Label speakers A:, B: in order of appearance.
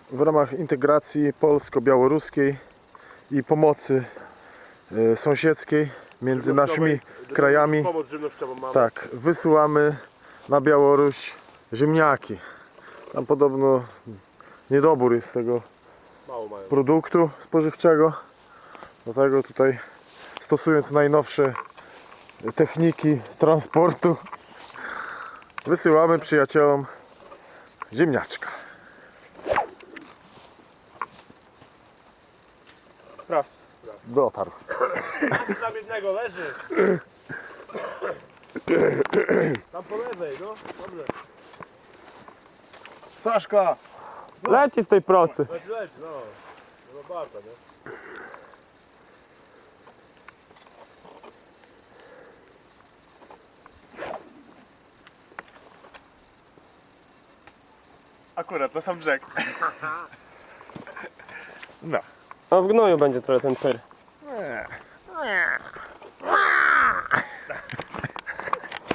A: w ramach integracji polsko-białoruskiej i pomocy sąsiedzkiej między naszymi krajami.
B: Pomoc żywnościową mamy.
A: Tak, wysyłamy na Białoruś ziemniaki. Tam podobno niedobór jest tego
B: Mało mają.
A: produktu spożywczego. Dlatego tutaj, stosując najnowsze techniki transportu, wysyłamy przyjaciołom ziemniaczka.
B: Proszę.
A: Dotarł.
B: Tam jednego leży. Tam po lewej, no. Dobrze.
A: Saszka!
C: Leci z tej procy.
B: Leć, no. No bardzo, nie?
D: Akurat na sam brzeg.
A: No.
C: No w gnoju będzie trochę ten pyr.
A: Nie.